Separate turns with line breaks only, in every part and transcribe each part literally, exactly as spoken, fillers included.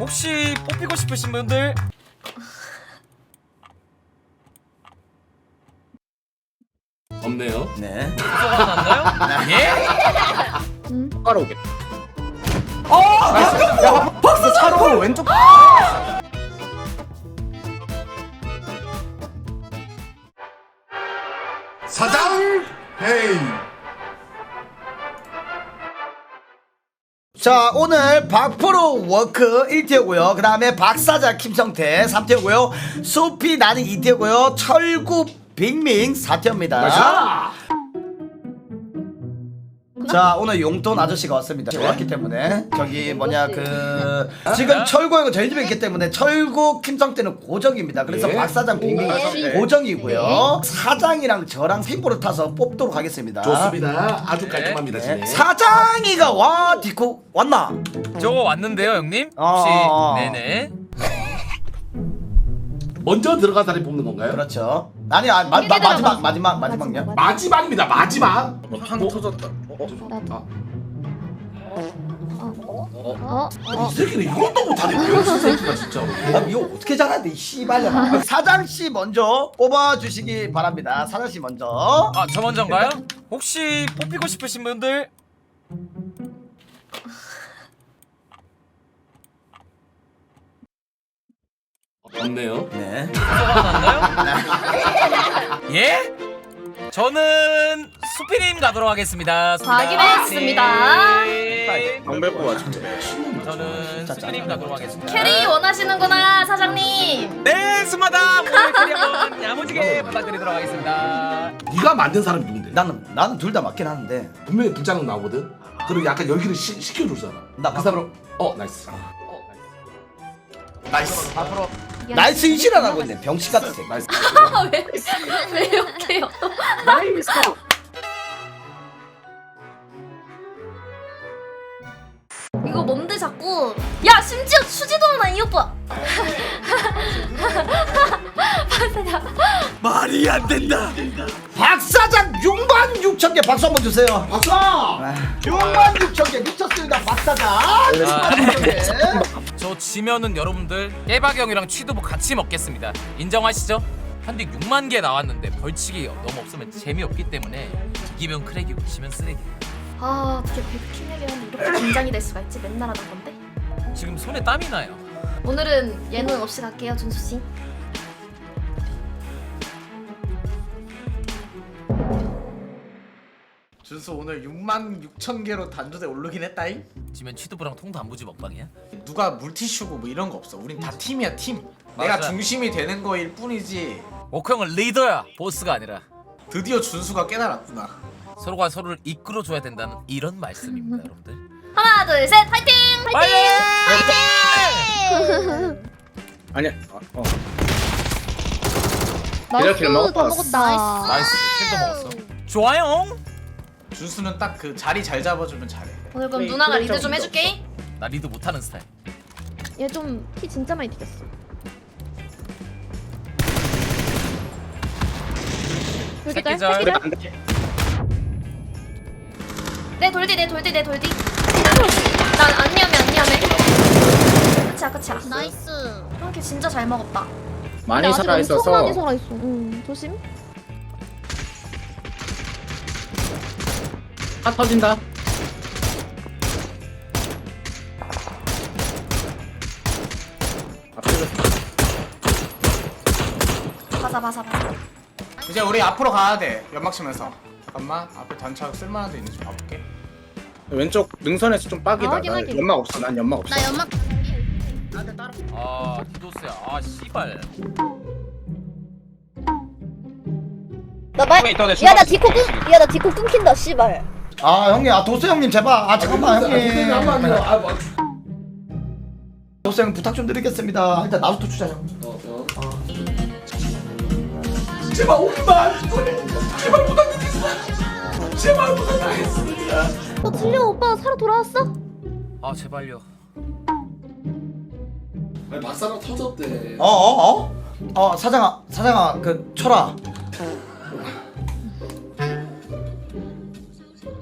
혹시 뽑히고 싶으신 분들?
없네요.
네.
들어갔나요? 예?
바로 오겠다.
어! 야, 박스 차로 왼쪽.
사장 헤이.
자, 오늘 박프로 워크 일 티어고요. 그 다음에 박사장 김성태 삼 티어고요. 수피 나는 이 티어고요. 철구 빅밍 사 티어입니다. 자, 오늘 용돈 아저씨가 왔습니다. 왔기 때문에 저기 뭐냐 그 지금 철구 형은 저희 집에 있기 때문에 철구 김성태는 고정입니다. 그래서
예.
박사장 빅밍이
네.
고정이고요. 사장이랑 저랑 핑보를 타서 뽑도록 하겠습니다.
좋습니다. 아주 깔끔합니다.
네.
진행.
사장이가 와 디코 왔나?
저거 왔는데요 형님? 혹시
어.
네네.
먼저 들어간 사람이 뽑는 건가요?
그렇죠. 아니, 아, 마, 마, 마지막 마지막 마지막요.
마지막입니다. 마지막.
탕 터졌다. 어?
아. 이 새끼는 이것도 못하네. 병신 새끼가 진짜로.
아, 이거 어떻게 잘하는데 이 씨발년아. 사장 씨 먼저 뽑아 주시기 바랍니다. 사장 씨 먼저.
아 저 먼저인가요? 혹시 뽑히고 싶으신 분들?
없네요.
네.
들어갔나요? 예? 저는 수피님 가도록 하겠습니다.
확인했습니다.
네.
방배고 맞춘다.
저는 수피님 가도록 하겠습니다.
캐리 원하시는구나 사장님.
네, 스마다 오늘 캐리 한번 야무지게 부탁드리도록 하겠습니다.
네가 만든 사람이 누군데?
나는 나는 둘 다 맞긴 하는데.
분명히 불장난 나오거든. 그리고 약간 열기를 시, 식혀줄 사람.
나
그 사람. 어 나이스.
나이스.
앞으로.
나이스 이시라고 있네. 병신 같은 새끼.
나이스.
왜 이렇게요?
나이스.
이거 뭔데 자꾸? 야 심지어 추지도 않아 이 오빠.
말이 안 된다. 박사장 육만 육천 개 박수 한번 주세요.
박사.
육만 육천 개 미쳤습니다. 박사장. 육만 육천 개.
저 지면은 여러분들 깨박이 형이랑 취두부 같이 먹겠습니다. 인정하시죠? 현직 육만 개 나왔는데 벌칙이 너무 없으면 재미없기 때문에 이기면 크랙이고 지면 쓰레기예요.
아 어떻게 백킹에게는 이렇게 긴장이 될 수가 있지? 맨날 하던 건데.
지금 손에 땀이 나요.
오늘은 예능 없이 갈게요 준수 씨.
준수 오늘 육만 육천 개로 단두대 오르긴 했다잉?
지면 취두부랑 통단무지 먹방이야?
누가 물티슈고 뭐 이런 거 없어. 우린 다 팀이야 팀. 내가
맞아.
중심이 되는 거일 뿐이지.
오크 형은 리더야, 보스가 아니라.
드디어 준수가 깨달았구나.
서로가 서로를 이끌어줘야 된다는 이런 말씀입니다, 여러분들.
하나 둘 셋 파이팅! 파이팅! 파이팅!
아니야. 어. 어.
나이스
먹었다.
다 먹었다.
나이스, 킬도 먹었어. 좋아요.
준수는 딱 그 자리 잘 잡아주면 잘해.
오늘 그럼
그래,
누나가
그래,
리드 좀
좀
해줄게.
나 리드 못하는 스타일.
얘 좀 피 진짜 많이 튀겼어.
새끼
새끼들,
절.
그래
새끼들.
안 돼.
내 돌디 내 돌디 내 돌디. 난 안 위험해 안 위험해. 그치야 그치야.
나이스.
이렇게 진짜 잘 먹었다.
많이
아직
살아 있어서.
엄청나게 살아 있어. 응, 조심.
다 터진다.
바사 바사 바사.
이제 우리 앞으로 가야 돼. 연막 치면서. 잠깐만 앞에 단차 쓸만한 데 있는지 봐볼게.
왼쪽 능선에서 좀 빡이다.
아, 확인,
나
확인.
연막 없어. 난 연막 없어.
나 연막.
아, 디도스야. 아, 씨발.
나 말. 야, 나 디코 끊. 야, 나 디코 끊긴다. 씨발.
아 형님, 아 도수 형님 제발. 아 잠깐만 형님.
한번 요 아, 뭐.
도수 형 부탁 좀 드리겠습니다. 일단 나부터 주자 형.
어, 어. 제발 오기만. 제발 부탁드리겠습니다. 제발 부탁드리겠습니다.
어, 틀려 오빠 살아 돌아왔어?
아, 제발요.
아니, 박사가 터졌대.
어 어 어? 어 사장아 사장아 그 쳐라.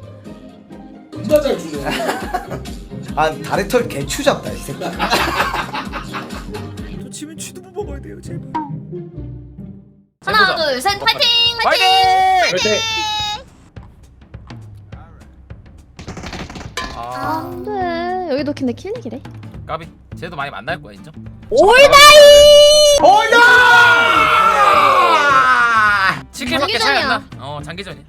존나 잘 주네.
아 다리털 개추잡다 이 새끼. 주세요 제발.
하나 둘 셋 파이팅 파이팅.
파이팅!
그렇지.
아,
안돼 여기도 근데 킬릭이래.
까비. 쟤도 많이 만날 거야 인정.
올다이.
올다!
치킨밖에 차이 안 나.
장기전이야.
어 장기전이야.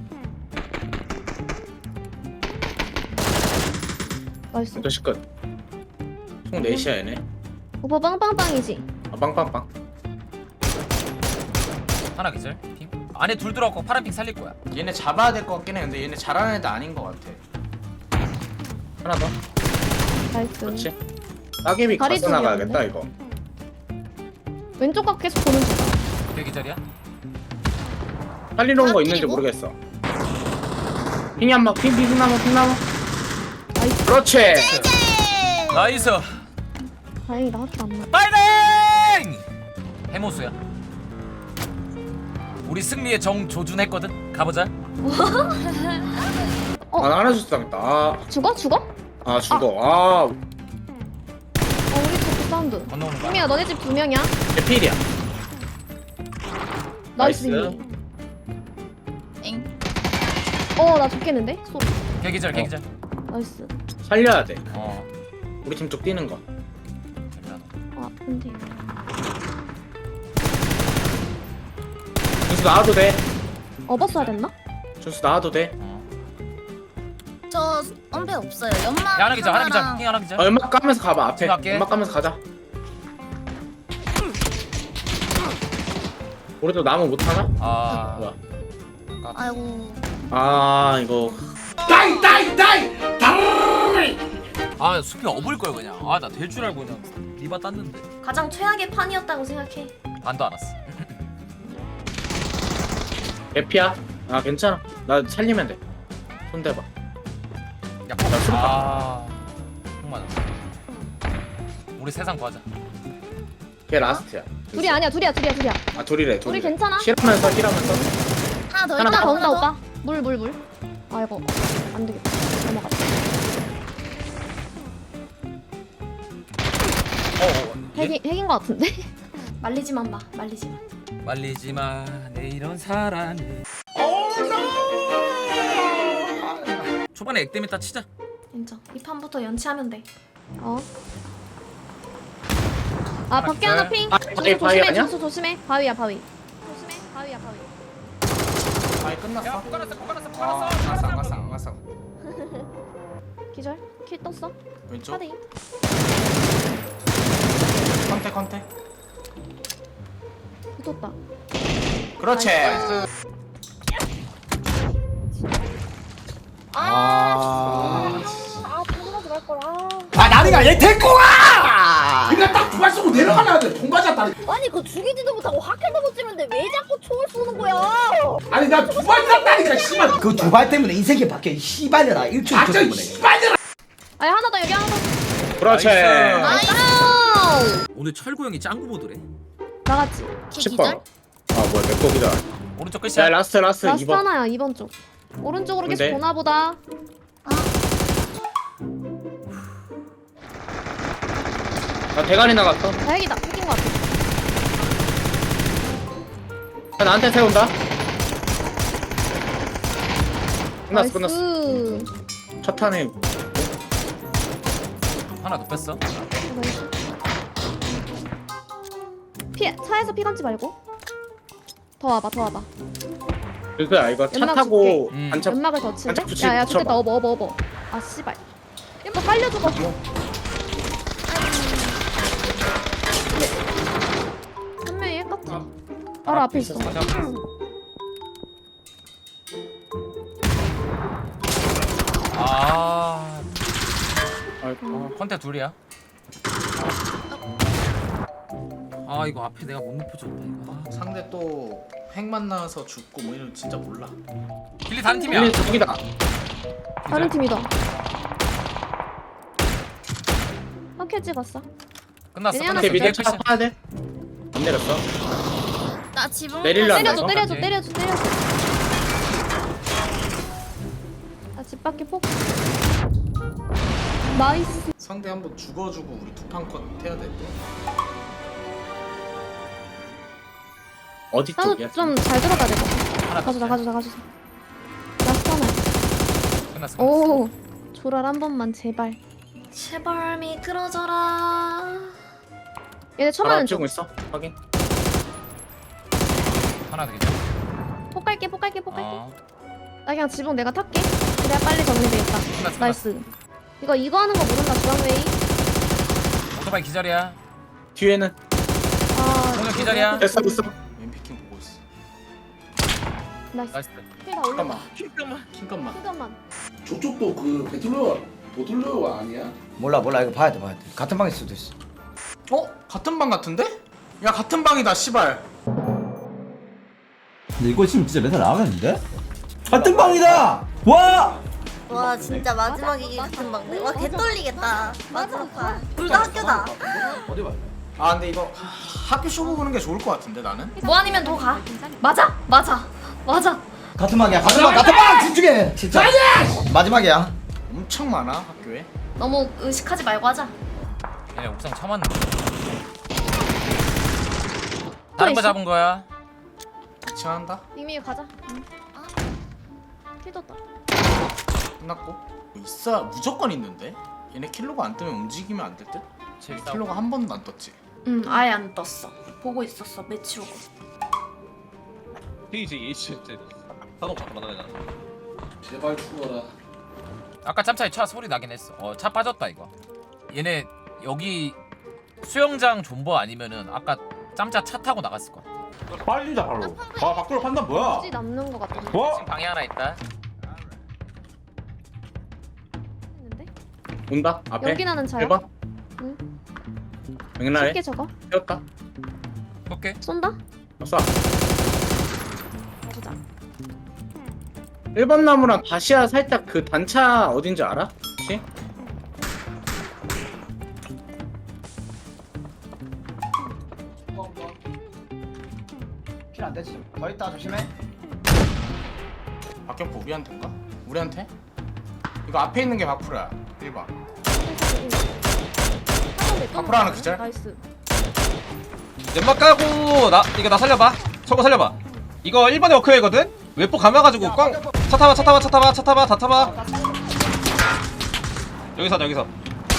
나이스.
또 시끝. 총 넷이야 얘네.
오빠 빵빵빵이지.
아 빵빵빵.
하나 기절. 핑. 안에 둘 들어갔고 파란 핑 살릴 거야.
얘네 잡아야 될 것 같긴 해. 근데 얘네 잘하는 애들 아닌 것 같아.
하나 더.
나이스.
그렇지. 따개비
다리
가스 나가야겠다 이거.
왼쪽 각 계속 보는 중.
그 기절이야?
살리러 온 거 있는지 모르겠어. 핑이 한 번, 핑, 핑 나무, 핑 나무.
나이스.
그렇지.
나이스.
다행이다 하트 안 나.
파이팅! 해모수야. 우리 승리에 정 조준했거든. 가보자.
어.
아, 나 하나 줬어 당했다. 아,
죽어? 죽어?
아 죽어. 아,
어 우리 집 사운드.
건너오는 거야.
승미야 너네 집 두 명이야.
내 필이야.
나이스
나이스.
승미. 어나 죽겠는데? 소.
개기절 개기절.
나이스.
살려야 돼.
어.
우리 팀 쪽 뛰는 거.
아 아픈데.
준수 나와도 돼.
업었어야 됐나?
준수 나와도 돼.
저 엄폐 없어요. 연막
야, 하나 기절 하나 기절.
하나랑
핑 하나 기절.
아, 연막 까면서 가봐 앞에.
생각할게.
연막 까면서 가자. 우리도 나무 못 하나?
아.
뭐야?
아이고
아 이거
다이 다이 다이 다이.
아 숲이 업을 걸 그냥. 아 나 될 줄 알고 그냥 리바 땄는데
가장 최악의 판이었다고 생각해.
반도 안 왔어.
에피야. 아 괜찮아. 나 살리면 돼. 손 대봐.
야,
나 수류탄.
아. 정말. 우리 세상 구하자.
걔 라스트야.
둘이 아니야 둘이야 둘이야 둘이야.
아 둘이래. 둘이
우리 괜찮아?
실하면서 실하면서.
하나 더
하나
있다.
하나 더 온다
하나 더.
오빠. 물 물 물. 아 이거 안 되겠다. 넘어가.
어.
핵이 핵인 거 같은데?
말리지만 마 말리지만.
말리지 마. 내 이런 사랑을. 초반에 액땜했다 치자.
인정. 이 판부터 연치하면 돼.
어. 아 밖에 하나 핑.
아,
준수
바위, 바위
조심해
아니야?
준수 조심해. 바위야 바위. 조심해 바위야 바위.
아이 끝났어.
야, 못 갈았어, 못 갈았어, 못
어,
갈았어.
안 갔어, 안 갔어, 안 갔어.
기절. 킬 떴어.
왼쪽.
사대.
컨택, 컨택.
붙었다.
그렇지.
아.
아 분노하지 말 걸. 아.
아 나리가 얘 데리고 와.
그냥 딱 두 발 쏘고 내려가려 돼. 돈 맞았다.
아니 그 죽이지도 못하고 확킬도 못 찍는데 왜 자꾸 총을 쏘는 거야?
아니 나 두 발 쐈다니까 씨발.
그 두 발 때문에 인생이 바뀌어. 이 씨발이라 일주일
아저
때문에.
씨발이라.
아니 하나 더 여기 하나 더.
그렇지.
나이스.
아우.
오늘 철구 형이 짱구 보드래.
나갔지.
십 번. 아 뭐야 내 거기다.
오른쪽
야
끝이야.
라스트 라스트
라스트
이 번.
하나야 이 번 쪽. 오른쪽으로 계속
근데?
보나 보다.
나 대가리 나갔어.
다행이다. 핵인 거 같아.
야, 나한테 세운다. 끝났어 끝났어.
나이스.
첫 탄에
하나 눕혔어.
나이스. 피 차에서 피 감지 말고. 더 와봐 더 와봐.
그거야 이거 차
연막
타고
줄게. 음.
반차.
연막을 더 칠래?
반짝 붙이-
야야
붙여봐.
좋겠다 업어 업어 업어. 아 씨발. 이거 살려주고. 한 명이 핵 같아. 바로 앞에 있어.
맞아. 아.
아이고.
컨테 둘이야. 아 이거 앞에 내가 못 높여줬다 이거. 아,
상대 또 핵 만나서 죽고 뭐 이런 거 진짜 몰라.
길리 다른 팀이야.
일리 저기다.
다른 팀이다. 확해 찍었어.
끝났어.
얘네 하나
끝났어.
밑에 밑에
진짜
차 타야 돼. 안 내렸어.
나 지붕
내릴라 한다,
때려줘
이거?
때려줘
오케이.
때려줘 때려줘. 아집 밖에 폭. 나이스.
상대 한번 죽어주고 우리 두 판 컷 해야 돼.
어디
나도
쪽이야?
좀 잘 들어가야 될것 같아.
하나
가주자
더.
가주자 가주자. 라스트 하나.
끝났어. 끝났어.
오 조랄 한 번만 제발.
제발 미끄러져라.
얘네
바로
쳐맞는
앞치고
중.
있어. 확인.
하나 더 괜찮아.
폭 갈게 폭 갈게 폭 갈게.
어.
나 그냥 지붕 내가 탈게. 그래야 빨리 정리되겠다.
끝났어.
나이스. 이거 이거 하는 거 모른다 주황웨이.
오토바이 기절이야.
뒤에는
아
공격 기다려.
됐어 됐어.
왼피킹 보고 있어.
나이스.
나이스.
킬다 올려봐.
잠깐만. 킹깐만.
잠깐만.
저쪽도 그 배틀로얄 보틀로얄 아니야?
몰라 몰라 이거 봐야 돼 봐야 돼. 같은 방일 수도 있어.
어? 같은 방 같은데? 야 같은 방이다 씨발.
근데 이거 지금 진짜 맨날 나가겠는데? 같은 방이다. 와.
와 진짜 마지막에 이게 같은 방네. 와 개떨리겠다. 마지막 판. 둘 다 학교다.
어디 봐.
아 근데 이거 하- 학교 쇼부 보는 게 좋을 것 같은데 나는.
뭐 아니면 더 가. 맞아 맞아 맞아.
같은 방이야 같은 방 같은 방 집중해. 진짜. 마지막이야.
엄청 많아 학교에.
너무 의식하지 말고 하자.
얘네 옥상 참았는데. 다른 거 잡은 거야.
지나간다.
빅미 가자. 응. 킬 떴다.
끝났고. 있어 무조건 있는데. 얘네 킬로가 안 뜨면 움직이면 안 될 듯?
제일
킬로가 한 번도 안 떴지.
응 아예 안 떴어. 보고 있었어 매치 오고.
제발 죽어라.
아까 짬차에 차 소리 나긴 했어. 어, 차 빠졌다 이거. 얘네 여기 수영장 존버 아니면은 아까 짬차 차 타고 나갔을 거야.
빨리다 바로. 아 밖으로 판단 뭐야?
굳이 남는 거 같은데.
지금 방에 하나 있다.
했는데?
온다. 앞에.
연기 나는 차야.
해봐.
응.
맥날에
쉽게 저거.
세웠다.
오케이.
쏜다.
쏴.
가보자.
일 번 나무랑 다시야 살짝 그 단차 어딘지 알아? 혹시?
킬안 되지. 더 있다 조심해.
박격포 우리한테인가? 우리한테? 이거 앞에 있는 게 박프로야. 일 번. 앞으로 하나 기절?
나이스.
연막 까고 나 이거 나 살려봐. 저거 살려봐. 이거 일 번에 워크웨이거든. 웨포 감아가지고 꽝. 차 타봐 차 타봐 차 타봐 차 타봐 다 타봐. 여기서 하자, 여기서.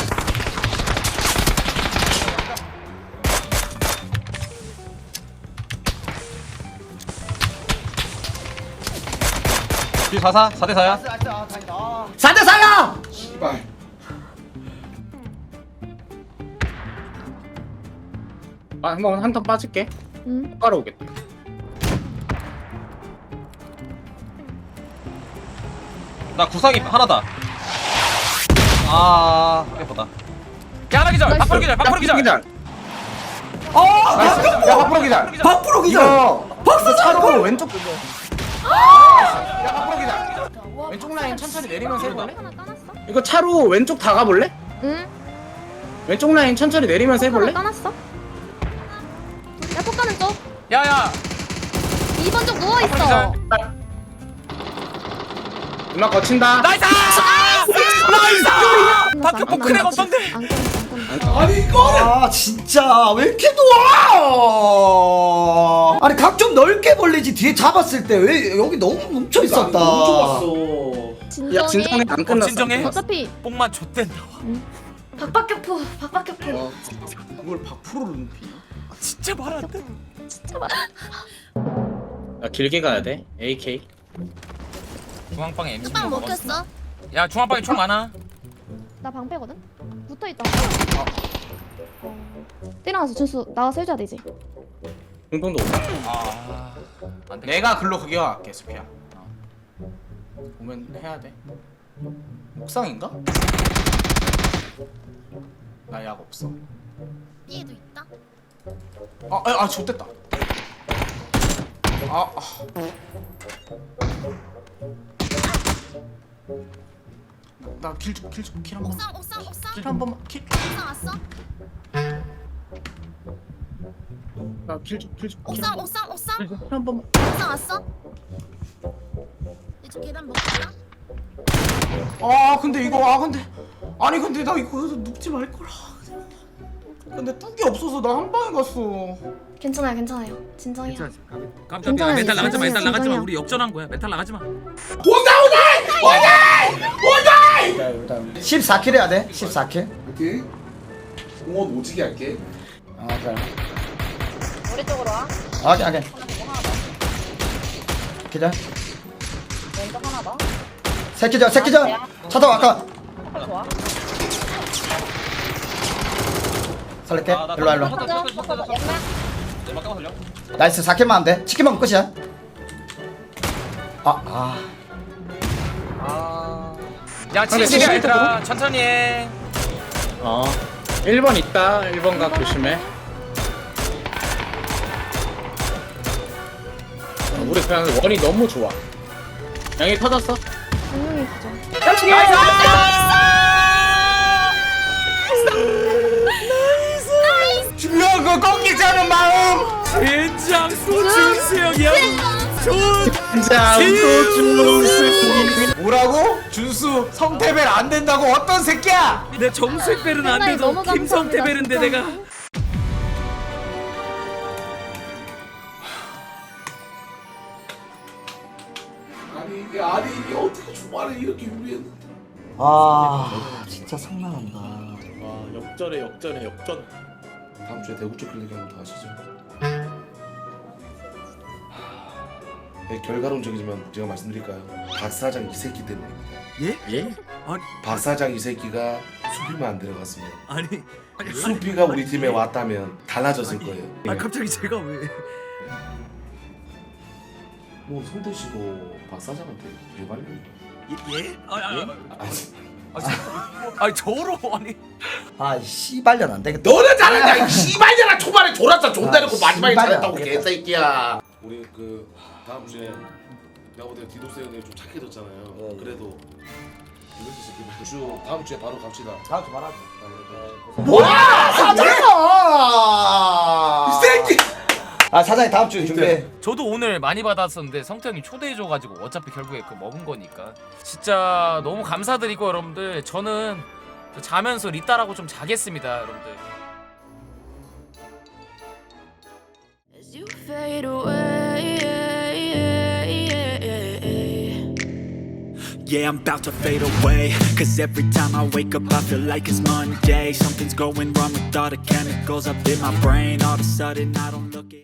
뒤 사 사 사 대 사야.
사 대 사야.
씨발.
아, 한번 한 턴 빠질게.
응.
바로 오겠다.
나 구상이 하나다. 아, 예쁘다.
야 하나 기절. 박프로 기절. 박프로 기절.
기절.
나이스. 야 박프로 기절.
박프로 기절.
이거 박사 차로 왼쪽. 야 박프로 기절. 왼쪽 라인 천천히 내리면서 해볼래?
하나 까놨어?
이거 차로 왼쪽 다 가볼래?
응.
왼쪽 라인 천천히 내리면서
하나
해볼래?
까놨어? 야 폭가는 쪽.
야야.
이 번 쪽 누워
앞으로
있어.
기절.
누나 거친다.
나이스! 나이스! 박격포 크랙 없던데.
안 끊었어 안 끊었어.
아니 이거를 아 진짜 왜 이렇게 놓아? 아니 각 좀 넓게 벌리지. 뒤에 잡았을 때 왜 여기 너무 뭉쳐 있었다.
너무 좁았어.
진정해.
야 진정해 안 끝났어.
진정해.
어차피
뽕만 좆된다.
박박격포 박박격포.
그걸 박프로를 눕히냐?
진짜 말 안 돼.
나 길게 가야 돼. 에이케이.
중앙방에 엠씨
뚜껑 먹혔어.
야 중앙방에 총 많아.
나 방패거든. 붙어 있다. 뛰어나가서 준수 나가서 해줘야 되지.
중동도 온다.
아. 안 돼.
내가 글로 그게 갈게 수피야. 어. 오면 해야 돼. 옥상인가? 나 약 없어.
B에도 있다.
아, 아, 아 좋됐다. 아, 아. 나킬 좀, 킬 좀, 킬 한 번.
옥상 옥상 옥상
킬 한 번만. 킬.
옥상 왔어.
나킬 좀, 킬 좀.
옥상 옥상 옥상
한 번만.
옥상 왔어. 이쪽 계단 먹자.
아, 근데 이거 아 근데 아니 근데 나 이거 눕지 말 거라. 근데 뚝이 없어서 나 한 방에 갔어.
괜찮아요, 괜찮아요. 진정이야.
깜짝이야.
괜찮아요,
메탈 나가지 마. 메탈
진정이야.
나가지 마. 우리 역전한 거야. 메탈 나가지 마.
십사 킬 해야 돼. 십사 킬.
오케이. 공원 오지게 할게.
아, 그래.
우리 쪽으로 와.
오케이, 오케이. 기자.
왼쪽 하나 더.
새끼자, 새끼자. 차 타고 아까.
좋아.
살릴게.
아, 나
일로 와, 일로 와.
터져, 터져, 터져, 터져, 터져. 연막 까고 살려.
나이스. 사 킬만 하면 돼. 치킨 먹으면 끝이야. 아, 아.
아.
야, 칠십이야 얘들아. 천천히 해.
어 일 번 있다. 일 번 각 조심해. 어, 우리 그냥 원이 너무 좋아. 양이 터졌어.
분명히 그죠.
중요한 거 꺾이지 않은 마음.
된장 소주 형이야.
진짜 소중스.
뭐라고? 준수 성태벨 안 된다고 어떤 새끼야?
내 정수의 벨은 안
하나에
돼도
너무 감사합니다,
김성태 벨인데
진짜.
내가.
아니 이게 아니 이게 어떻게 주말에 이렇게 유리했는데.
아, 진짜 성난한다.
와 역전에 역전에 역전.
다음 주에 대구 쪽 클릭 한번 더 하시죠. 네, 결과론적이지만 제가 말씀드릴까요? 박 사장 이 새끼 때문입니다.
예?
박 사장 이 새끼가 수비만 안 들어갔으면
아니,
수비가 우리 팀에 왔다면 달라졌을 거예요.
아 갑자기 제가 왜?
뭐 성태 씨도 박 사장한테 개발려.
예? 아, 아, 아,
아니,
아, 저- 아니 저로 아니.
아, 씨발년 안 되겠다.
너는 잘한다. 이 씨발잖아. 초반에 졸았다. 존나 놓고
아,
마지막에
씨발이야.
잘했다고 개새끼야. 우리 그 다음 주에 내가 볼때 디도스 형이 좀 착해졌잖아요. 그래도 이것이 새끼 주 다음 주에 바로 갑시다.
다음 주 말하자.
뭐야
사장아!
이 새끼.
아, 사장이 다음 주 준비해.
저도 오늘 많이 받았었는데 성태 형이 초대해줘가지고 어차피 결국에 그 먹은 거니까 진짜 너무 감사드리고 여러분들 저는 자면서 리따라고 좀 자겠습니다 여러분들.
As you fade away,
Yeah, I'm about to fade away. Cause every time I wake up, I feel like it's Monday. Something's going wrong with all the chemicals up in my brain. All of a sudden, I don't look it.